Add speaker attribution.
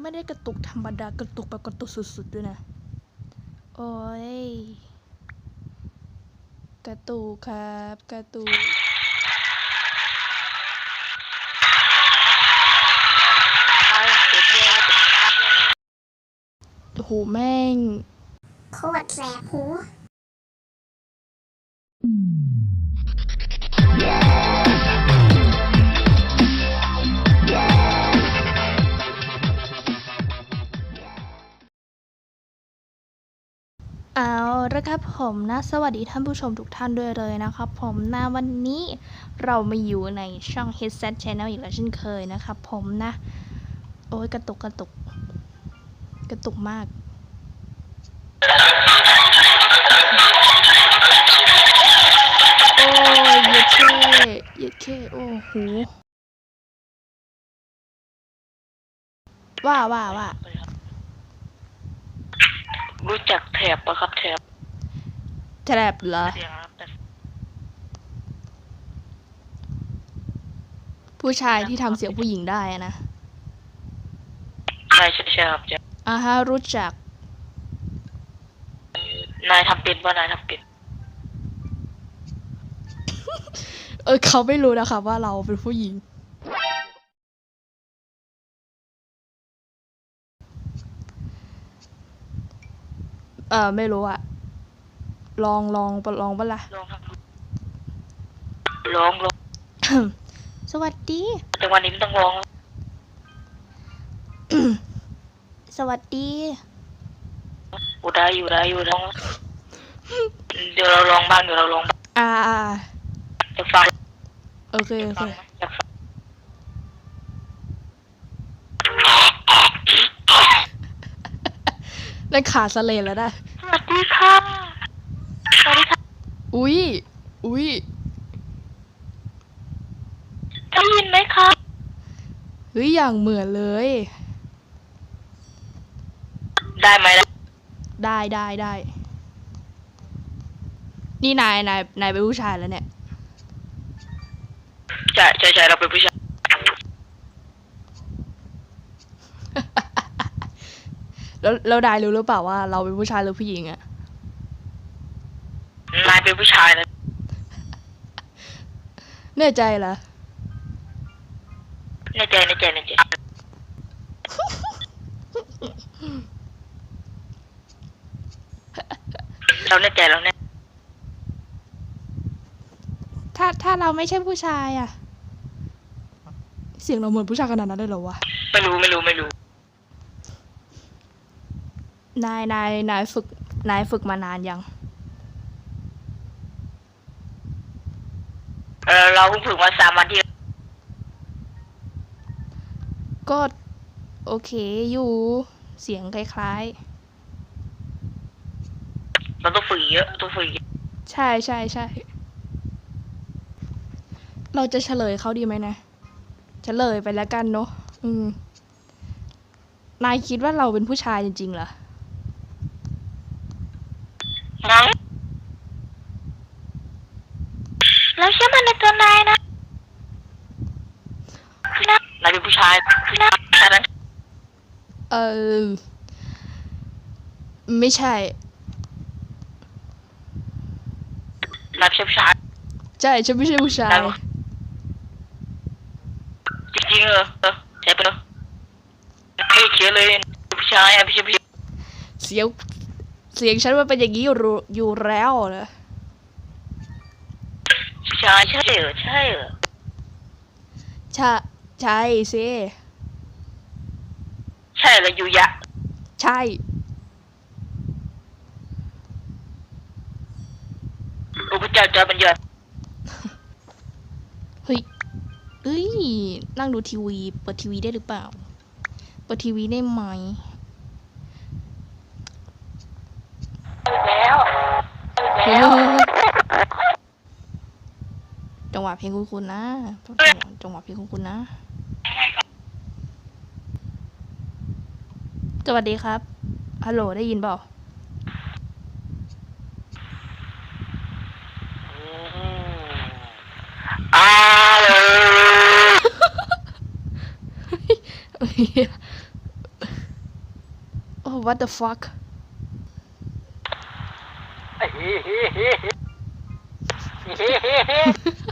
Speaker 1: ไม่ได้กระตุกธรรมดากระตุกแบบกระตุกสุดๆด้วยนะโอ้ยกระตุกครับกระตุกโอ้โหแม่ง
Speaker 2: โคตรแสบหู
Speaker 1: เอาละครับผมนะสวัสดีท่านผู้ชมทุกท่านด้วยเลยนะครับผมนะวันนี้เรามาอยู่ในช่อง Headset Channel อีกแล้วเช่นเคยนะครับผมนะโอ้ยกระตุกมากโอ้ยเย็ดเคโอ้โหว่า
Speaker 3: รู้จักแถบปะครับแถบ
Speaker 1: เหรอผู้ชายที่ทำเสียงผู้หญิงได้นะ
Speaker 3: ใช่ครับ
Speaker 1: ฮะรู้จัก
Speaker 3: นายทำเป็นป่ะนายทำเป็น
Speaker 1: เขาไม่รู้นะคะว่าเราเป็นผู้หญิงไม่รู้อะลองปะล่ะ
Speaker 3: ลอง
Speaker 1: สวัสดี
Speaker 3: แต่วันนี้ไม่ต้องลอง
Speaker 1: สวัสดี
Speaker 3: ได้อยู่ลองเดี๋ยวเราลองบ้างจะฟัง
Speaker 1: โอเคได้ขาสเลนแล้วนะ
Speaker 3: สวัสดีค่ะ
Speaker 1: อุ้ย
Speaker 3: ได้ยินไหมคะ
Speaker 1: เฮ้ยอย่างเหมือนเลย
Speaker 3: ได้ไหม
Speaker 1: ได้นี่นายเป็นผู้ชายแล้วเนี่ย
Speaker 3: ใช่เราเป็นผู้ชาย
Speaker 1: แล้วนายรู้หรือเปล่าว่าเราเป็นผู้ชายหรือผู้หญิงอะ
Speaker 3: นายเป็นผู้ชายนะ
Speaker 1: แน่ใจเหรอ
Speaker 3: แน่ใจเราแน่ใจ
Speaker 1: ถ้าเราไม่ใช่ผู้ชายอะเสียงเราเหมือนผู้ชายขนาดนั้นเลยเหรอวะ
Speaker 3: ไม่รู้
Speaker 1: นายฝึกมานานยัง
Speaker 3: เราเพิ่งฝึกมา3 วันที่
Speaker 1: ก็โอเคอยู่เสียงคล้าย
Speaker 3: ๆเราต้องฝึกเยอะ
Speaker 1: ใช่เราจะเฉลยเขาดีไหมนะเฉลยไปแล้วกันเนาะนายคิดว่าเราเป็นผู้ชายจริงๆเหรอ
Speaker 3: เราเชื่อมันในตัวนายนะนายเป็นผู้ชาย
Speaker 1: ไม่ใช่
Speaker 3: นายเป็นผู้ชาย
Speaker 1: ใช่ฉันไม่ใช่ผู้ชาย
Speaker 3: จริงเหรอใช่ปะเนาะไม่เขียนเลยผู้ชายไม่ใช่
Speaker 1: เสียงฉันมันเป็นอย่างนี้อยู่แล้วนะ
Speaker 3: ผู้ชายใช่เหรอ
Speaker 1: ใช่สิ
Speaker 3: ใช่เลยยูยะ
Speaker 1: ใช่
Speaker 3: โอ้พระเจ้าจอมันเยอะ
Speaker 1: เฮ้ยนั่งดูทีวีเปิดทีวีได้หรือเปล่าเปิดทีวีได้ไหมจังหวะเพลงคุณนะจังหวะเพลงคุณนะสวัสดีครับฮัลโหลได้ยินเปล่า what the fuck
Speaker 3: เฮ้